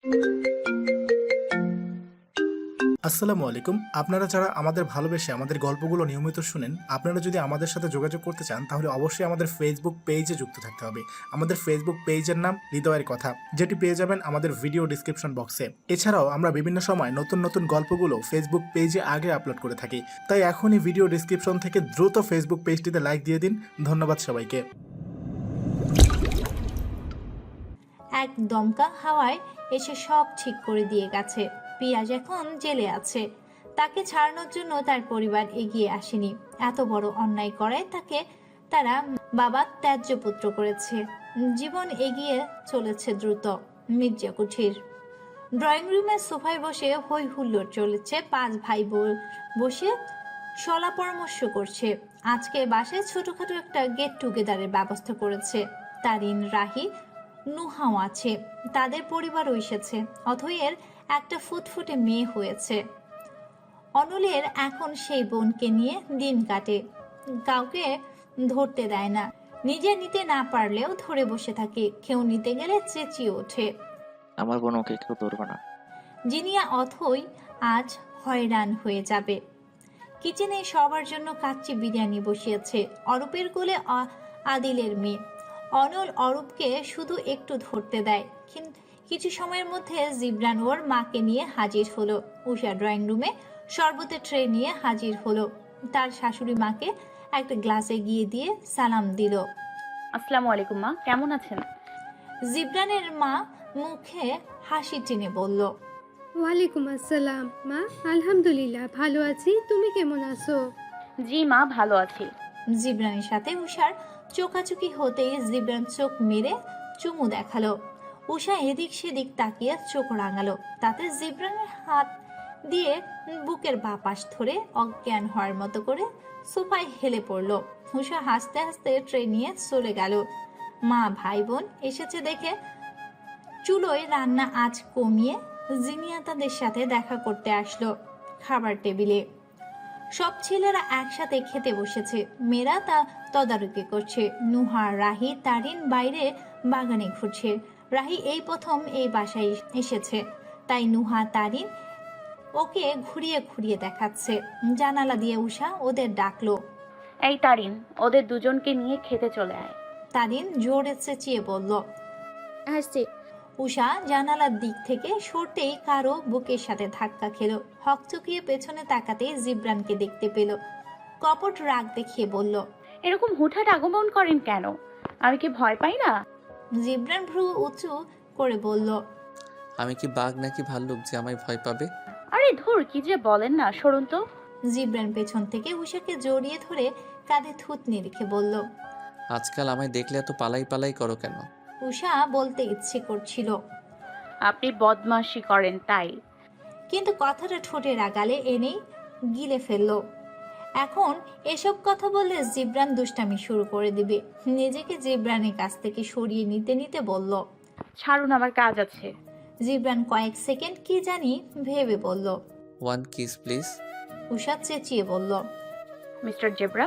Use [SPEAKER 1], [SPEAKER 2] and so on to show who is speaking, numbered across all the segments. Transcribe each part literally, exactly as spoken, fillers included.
[SPEAKER 1] আসসালামু আলাইকুম। আপনারা যারা আমাদের ভালোবেসে আমাদের গল্পগুলো নিয়মিত শুনেন, আপনারা যদি আমাদের সাথে যোগাযোগ করতে চান তাহলে অবশ্যই আমাদের ফেসবুক পেজে যুক্ত থাকতে হবে। আমাদের ফেসবুক পেজের নাম হৃদয়ের কথা, যেটি পেয়ে যাবেন আমাদের ভিডিও ডিসক্রিপশন বক্সে। এছাড়াও আমরা বিভিন্ন সময় নতুন নতুন গল্পগুলো ফেসবুক পেজে আগে আপলোড করে থাকি, তাই এখনই ভিডিও ডিসক্রিপশন থেকে দ্রুত ফেসবুক পেজটিতে লাইক দিয়ে দিন। ধন্যবাদ সবাইকে।
[SPEAKER 2] এক দমকা হাওয়ায় এসে সব ঠিক করে দিয়ে গেছে। পিয়াজ এখন জেলে আছে, তাকে ছাড়ানোর জন্য তার পরিবার এগিয়ে আসেনি। এত বড় অন্যায় করায় তাকে তারা বাবা ত্যায্য পুত্র করেছে। জীবন এগিয়ে চলেছে দ্রুত। মির্জা কুঠির ড্রয়িং রুমের সোফায় বসে হই হুল্লোড় চলেছে। পাঁচ ভাই বোন বসে সলা পরামর্শ করছে। আজকে বাসায় ছোটখাটো একটা গেট টুগেদারের ব্যবস্থা করেছে। তারিন, রাহি, নুহাও আছে, তাদের পরিবারও এসেছে। অথয়ের একটা ফুটফুটে মেয়ে হয়েছে। অনলের এখন সেই বোনকে নিয়ে দিন কাটে, কাউকে ধরতে দেয় না। নিজে নিতে না পারলেও ধরে বসে থাকে, কেউ নিতে গেলে চেঁচিয়ে ওঠে,
[SPEAKER 3] আমার বোন, ওকে কেউ ধরবে না।
[SPEAKER 2] জিনিয়া অথই আজ হয়রান হয়ে যাবে। কিচেনে সবার জন্য কাচ্চি বিরিয়ানি বসিয়েছে। অরূপের কোলে আদিলের মেয়ে। অনল অরূপকে শুধু একটু ধরতে দেয়, কিন্তু কিছু সময়ের মধ্যে জিবরান ওর মাকে নিয়ে হাজির হলো। উষা ড্রয়িং রুমে শরবতের ট্রে নিয়ে হাজির হলো। তার শাশুড়ি মাকে একটা গ্লাসে গিয়ে দিয়ে সালাম দিল।
[SPEAKER 4] আসসালামু আলাইকুম মা, কেমন আছেন?
[SPEAKER 2] জিবরানের মা মুখে হাসি টেনে বলল,
[SPEAKER 5] ওয়ালাইকুম আসসালাম মা, আলহামদুলিল্লাহ ভালো আছি, তুমি কেমন আছো?
[SPEAKER 4] জি মা, ভালো আছি।
[SPEAKER 2] জিবরানের সাথে উষার চোখাচোখি হতেই জিবরান চোখ মেরে চুমু দেখালো। উষা এদিক সেদিক তাকিয়ে চোখ রাঙালো। তাতে জিবরানের হাত দিয়ে বুকের বাঁ পাশ ধরে অজ্ঞান হওয়ার মতো করে সোফায় হেলে পড়লো। উষা হাসতে হাসতে ট্রে নিয়ে চলে গেল। মা ভাই বোন এসেছে দেখে চুলোয় রান্না আজ কমিয়ে জিনিয়া তাদের সাথে দেখা করতে আসলো। খাবার টেবিলে সব ছেলেরা একসাথে খেতে বসেছে। মেয়েরা তা তদারকি করছে। নুহা, রাহি, তারিন বাইরে বাগানে ঘুরছে। রাহি এই প্রথম এই বাসায় এসেছে, তাই নুহা তারিন ওকে ঘুরিয়ে ঘুরিয়ে দেখাচ্ছে। জানালা দিয়ে উষা ওদের ডাকলো,
[SPEAKER 4] এই তারিন, ওদের দুজনকে নিয়ে খেতে চলে আয়।
[SPEAKER 2] তারিন জোরে চেঁচিয়ে বলল।
[SPEAKER 5] আসছি।
[SPEAKER 2] উষা জানালার দিক থেকে সরতেই কারো বুকের সাথে ধাক্কা খেলো। হকচকিয়ে পেছনে তাকাতেই জিবরানকে দেখতে পেল। কপট রাগ দেখিয়ে বলল,
[SPEAKER 4] এরকম হুটহাট আগমন করেন কেন? আমি কি ভয় পাই না?
[SPEAKER 2] জিবরান ভ্রু উঁচু করে বলল,
[SPEAKER 6] আমি কি বাঘ নাকি ভাল্লুক যে আমায় ভয় পাবে?
[SPEAKER 4] আরে ধুর, কি যে বলেন না, সরুন তো।
[SPEAKER 2] জিবরান পেছন থেকে উষাকে জড়িয়ে ধরে কাঁধে থুতনি রেখে বলল।
[SPEAKER 6] আজকাল আমায় দেখলে এত পালাই পালাই করো কেন?
[SPEAKER 2] উষা বলতে ইচ্ছে করছিল,
[SPEAKER 4] আপনি বদমাশি করেন তাই।
[SPEAKER 2] কিন্তু কথাটা ঠোঁটে রাগালে এনেই গিলে ফেলল। এখন এসব কথা বললে জিবরান দুষ্টামি শুরু করে দিবে। নিজেকে জিবরানের কাছ থেকে সরিয়ে নিতে নিতে বলল,
[SPEAKER 4] ছাড়ুন, আমার কাজ আছে।
[SPEAKER 2] জিবরান কয়েক সেকেন্ড কি জানি ভেবে বলল।
[SPEAKER 6] One kiss please.
[SPEAKER 2] উষা চেঁচিয়ে বলল।
[SPEAKER 4] Mister zebra.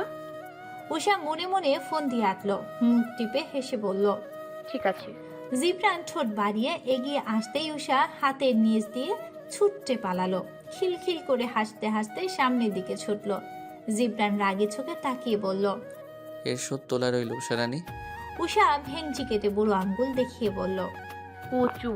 [SPEAKER 2] উষা মনে মনে ফোন দিয়ে আঁটলো, মুখ টিপে হেসে বলল,
[SPEAKER 4] ঠিক আছে।
[SPEAKER 2] জিবরান ঠোঁট বাড়িয়ে এগিয়ে আসতেই উষা হাতের নিচ দিয়ে ছুটতে পালালো। খিলখিল করে হাসতে হাসতে সামনের দিকে ছুটলো। জিবরান রাগে চোখে তাকিয়ে বলল,
[SPEAKER 6] এর শোধ তোলা রইল উষারানী।
[SPEAKER 2] উষা ভেংচি কেটে বুড়ো আঙ্গুল দেখিয়ে বলল।
[SPEAKER 4] কচু।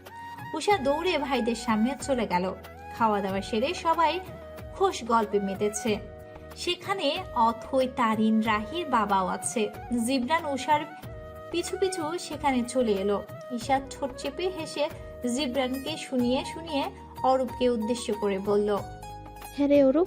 [SPEAKER 2] উষা দৌড়ে ভাইদের সামনে চলে গেল। খাওয়া দাওয়া সেরে সবাই খোশ গল্পে মেতেছে। সেখানে অথই, তারিন, রাহির বাবাও আছে। জিবরান উষার পিছু পিছু সেখানে চলে এলো। ঈশা ঠোঁট চেপে হেসে জিবরানকে শুনিয়ে শুনিয়ে অরূপকে উদ্দেশ্য করে বলল,
[SPEAKER 7] হ্যাঁ রে অরূপ,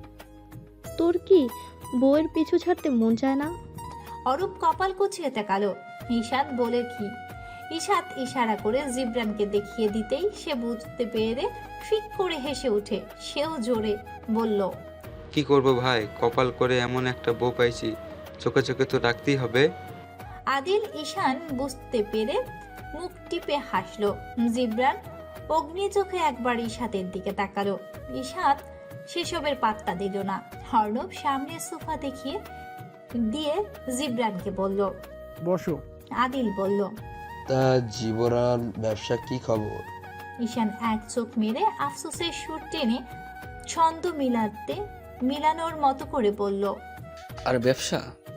[SPEAKER 7] তোর কি বউয়ের পিছু ছাড়তে মন চায় না?
[SPEAKER 2] অরূপ কপাল কুচিয়ে তাকালো। ঈশাত বলে কি? ঈশাত ইশারা করে জিবরানকে দেখিয়ে দিতেই সে বুঝতে পেরে ফিক করে হেসে উঠে। সেও জোরে বলল,
[SPEAKER 8] কি করব ভাই, কপাল করে এমন একটা বউ পাইছি, চোখে চোখে তো রাখতেই হবে।
[SPEAKER 2] আদিল ঈশান বুঝতে পেরে মুখ টিপে হাসলো। জিবরান অগ্নি চোখে একবার ঈশাতের দিকে তাকালো। ঈশাত সেসবের পাত্তা দিল না। অর্ণব সামনে সোফা দেখিয়ে দিয়ে জিবরানকে বলল,
[SPEAKER 9] বসো।
[SPEAKER 2] আদিল বলল,
[SPEAKER 10] তা জীবরান ব্যবসা কি খবর?
[SPEAKER 2] ঈশান এক চোখ মেরে আফসোসের সুর টেনে ছন্দ মিলাতে মিলানোর মতো করে বলল,
[SPEAKER 6] আর ব্যবসা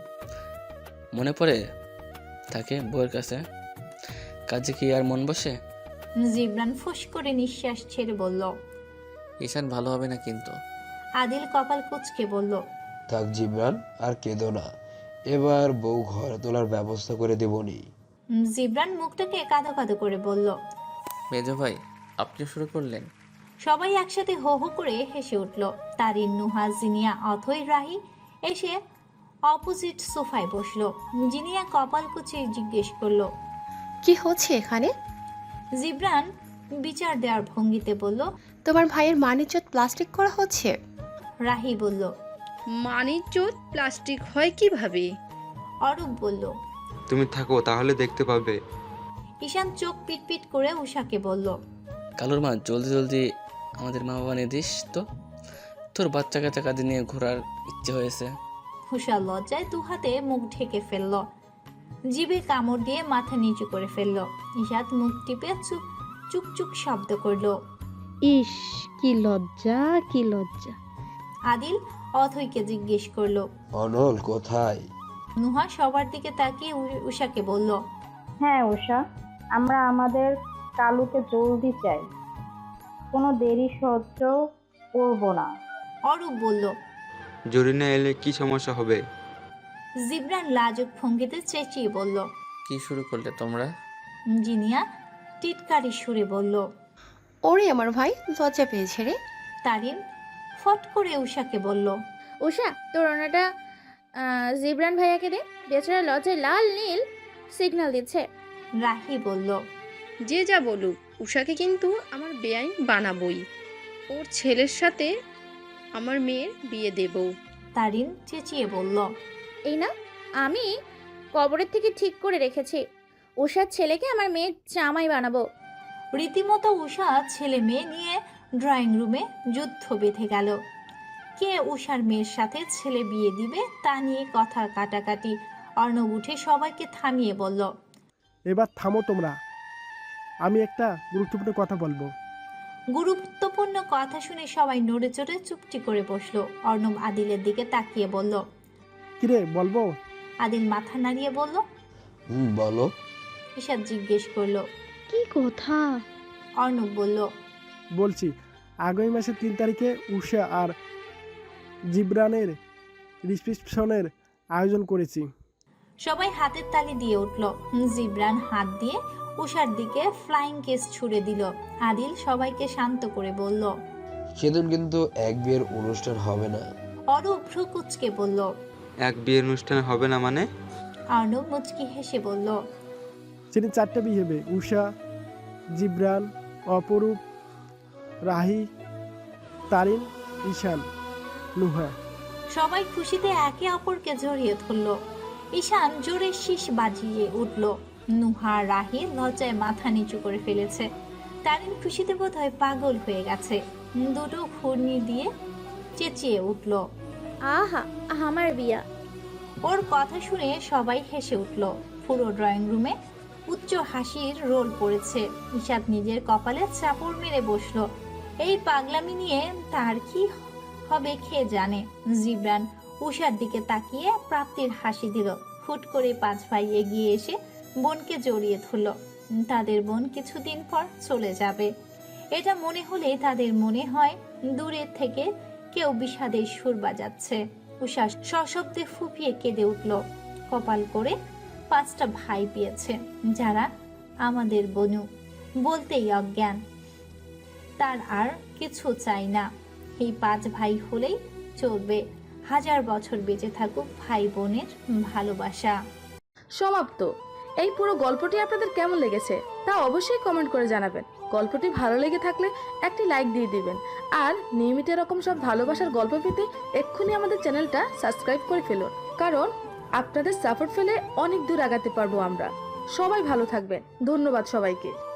[SPEAKER 6] মনে পড়ে থাকে বউয়ের কাছে, কাজে কি আর মন বসে?
[SPEAKER 2] জিবরান ফুস করে নিঃশ্বাস ছেড়ে বলল।
[SPEAKER 6] ঈশান ভালো হবে না কিন্তু।
[SPEAKER 2] আদিল কপাল কুঁচকে বলল,
[SPEAKER 9] থাক জিবরান, আর কেঁদো না, এবার বউ ঘরে তোলার ব্যবস্থা করে দেবনি।
[SPEAKER 2] জিবরান মুখটাকে কাঁদো কাঁদো করে বলল।
[SPEAKER 6] মেজো ভাই আপনি শুরু করলেন।
[SPEAKER 2] সবাই একসাথে হো হো করে হেসে উঠল। তারিন, নুহা, জিনিয়া, অথই, রাহি এসে অপোজিট সোফায় বসলো। জিনিয়া কপাল কুঁচিয়ে জিজ্ঞেস করলো,
[SPEAKER 10] কি হচ্ছে এখানে?
[SPEAKER 2] জিবরান বিচার দেওয়ার ভঙ্গিতে বলল,
[SPEAKER 10] তোমার ভাইয়ের মানিজ্জত প্লাস্টিক করা হচ্ছে।
[SPEAKER 2] রাহি বলল,
[SPEAKER 11] মানিজ্জত প্লাস্টিক হয় কিভাবে?
[SPEAKER 2] অরূপ বলল,
[SPEAKER 8] তুমি থাকো, তাহলে দেখতে পাবে।
[SPEAKER 2] ঈশান চোখ পিটপিট করে উষাকে বলল,
[SPEAKER 6] কালুর মা জলদি জলদি আমাদের মা বাবা নিয়ে দিস তো, তোর বাচ্চা কাচ্চা কাঁদে নিয়ে ঘোরার ইচ্ছে হয়েছে।
[SPEAKER 2] উষা লজ্জায় দু হাতে মুখ ঢেকে ফেলল, জিভে কামড় দিয়ে মাথা নিচু করে ফেলল। ঈশাত মুখ টিপে চুপ চুকচুক শব্দ করলো।
[SPEAKER 7] ইস, কি লজ্জা, কি লজ্জা।
[SPEAKER 2] আদিল অথইকে জিজ্ঞেস করলো,
[SPEAKER 9] অনল কোথায়?
[SPEAKER 2] নুহা সবার দিকে তাকিয়ে উ- উষাকে বলল,
[SPEAKER 4] হ্যাঁ উষা, আমরা আমাদের কালুকে জলদি চাই, কোনো দেরি সহ্য করব না।
[SPEAKER 2] অরূপ বলল,
[SPEAKER 8] জরিনা এলে কি সমস্যা হবে?
[SPEAKER 2] জিবরান লাজুক ভঙ্গিতে চেঁচিয়ে বলল।
[SPEAKER 6] কি শুরু করলে তোমরা?
[SPEAKER 2] জিনিয়া টিটকারি সুরে বলল।
[SPEAKER 10] ওরে আমার ভাই লজ্জা পেয়েছে রে।
[SPEAKER 2] তারিন ফট করে উষাকে বলল,
[SPEAKER 12] উষা তোর ওনাটা জিবরান ভাইয়াকে দে, বেচারা লজ্জায় লাল নীল সিগন্যাল দিচ্ছে।
[SPEAKER 2] রাহি বলল,
[SPEAKER 11] যে যা বলুক, উষাকে কিন্তু আমার বেআইন বানাবই, ওর ছেলের সাথে আমার মেয়ের বিয়ে দেব।
[SPEAKER 2] তারিন চেঁচিয়ে বলল,
[SPEAKER 12] এই না, আমি কবরের থেকে ঠিক করে রেখেছি, উষার ছেলেকে আমার মেয়ের জামাই বানাবো।
[SPEAKER 2] রীতিমতো উষা ছেলে মেয়ে নিয়ে ড্রয়িং রুমে যুদ্ধ বেঁধে গেল। কে উষার মেয়ের সাথে ছেলে বিয়ে দিবে তা নিয়ে কথা কাটাকাটি। অর্ণব উঠে সবাইকে থামিয়ে বলল,
[SPEAKER 13] এবার থামো তোমরা, আমি একটা গুরুত্বপূর্ণ কথা বলবো।
[SPEAKER 2] গুরুত্বপূর্ণ কথা শুনে সবাই নড়ে চড়ে চুপটি করে বসলো। অর্ণব আদিলের দিকে তাকিয়ে বলল,
[SPEAKER 13] কিরে বলবো?
[SPEAKER 2] আদিল মাথা নাড়িয়ে বলল।
[SPEAKER 9] হুম বলো।
[SPEAKER 2] ঈশাদ জিজ্ঞেস করলো,
[SPEAKER 7] কি কথা?
[SPEAKER 2] অর্ণব বলল,
[SPEAKER 13] বলছি, আগামী মাসের তিন তারিখে উষা আর জিবরানের রিসেপশনের আয়োজন করেছি।
[SPEAKER 2] সবাই হাতের তালি দিয়ে উঠল। জিবরান হাত দিয়ে উষার দিকে ফ্লাইং কেস ছুড়ে দিল। আদিল সবাইকে শান্ত করে বলল,
[SPEAKER 9] সেদিন কিন্তু এক বিয়ের অনুষ্ঠান হবে না।
[SPEAKER 2] অরূপ ভ্রু কুঁচকে বলল।
[SPEAKER 8] এক বিয়ের অনুষ্ঠান হবে না মানে?
[SPEAKER 2] অর্ণব মুচকি হেসে বলল,
[SPEAKER 13] সেদিন চারটা বিয়ে হবে, উষা, জিবরান, অপরূপ, রাহি, তারিন, ঈশান, নুহা।
[SPEAKER 2] সবাই খুশিতে একে অপরকে জড়িয়ে ধরল। ঈশান জোরে শীষ বাজিয়ে উঠল। নুহা, রাহি লজ্জায় মাথা নিচু করে ফেলেছে। তারিন খুশিতে বোধহয় পাগল হয়ে গেছে। দুটো ঘূর্ণি দিয়ে চেঁচিয়ে উঠল,
[SPEAKER 12] আহা আমার বিয়া।
[SPEAKER 2] ওর কথা শুনে সবাই হেসে উঠল। পুরো ড্রয়িং রুমে উচ্চ হাসির রোল পড়েছে। ঈশাদ নিজের কপালে চাপড় মেরে বসলো। এই পাগলামি নিয়ে তার কি হবে খেয়ে জানে। জিবরান উষার দিকে তাকিয়ে প্রাপ্তির হাসি দিল। ফুট করে পাঁচ ভাই এগিয়ে এসে বোনকে জড়িয়ে ধরল। তাদের বোন কিছুদিন পর চলে যাবে, এটা মনে হলে তাদের মনে হয় দূরের থেকে কেউ বিষাদের সুর বাজাচ্ছে। উষা সশব্দে ফুপিয়ে কেঁদে উঠল। কপাল করে পাঁচটা ভাই পেয়েছে, যারা আমাদের বনু, বলতেই অজ্ঞান। তার আর কিছু চাই না। এই পাঁচ ভাই হলেই চলবে। হাজার বছর বেঁচে থাকুক ভাই বোনের ভালোবাসা।
[SPEAKER 11] সমাপ্ত। এই পুরো গল্পটি আপনাদের কেমন লেগেছে তা অবশ্যই কমেন্ট করে জানাবেন। গল্পটি ভালো লেগে থাকলে একটি লাইক দিয়ে দিবেন। আর নিয়মিত এরকম সব ভালোবাসার গল্প পেতে এক্ষুনি আমাদের চ্যানেলটা সাবস্ক্রাইব করে ফেলুন, কারণ আপনাদের সাপোর্ট পেলে অনেক দূর আগাতে পারবো আমরা। সবাই ভালো থাকবেন। ধন্যবাদ সবাইকে।